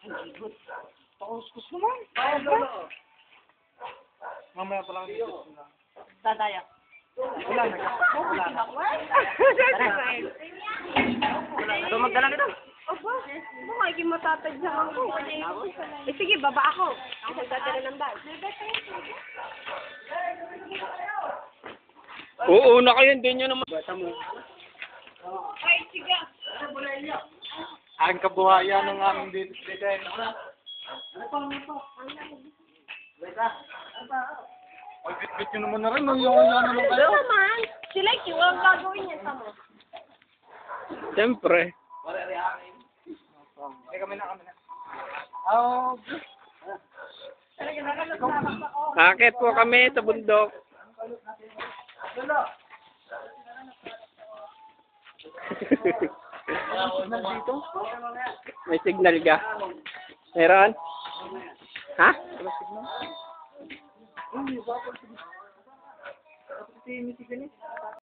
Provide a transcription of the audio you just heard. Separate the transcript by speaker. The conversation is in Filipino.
Speaker 1: Pakuskus naman. Mamaya pa lang dito.
Speaker 2: Dadaya.
Speaker 1: Wala na.
Speaker 2: So, magdala nito. Opo. Baka hindi matatadyahan ko. Sige, baba ako. Ako magdadala ng bag.
Speaker 3: Oo, na kayo, hindi nyo naman. Bata mo.
Speaker 2: Ay, sige.
Speaker 1: Ang kabuhayan ng aming dito. Ay, bit-bit nyo naman na rin. Yung naman kayo.
Speaker 2: Ano naman? Sila, ang gagawin niya sa mo.
Speaker 3: Siyempre.
Speaker 1: Kami na. Oh,
Speaker 3: Akit po kami sa bundok.
Speaker 1: dito?
Speaker 3: May signal ka? Meron? Ha?
Speaker 1: Uy, bakit? Kasi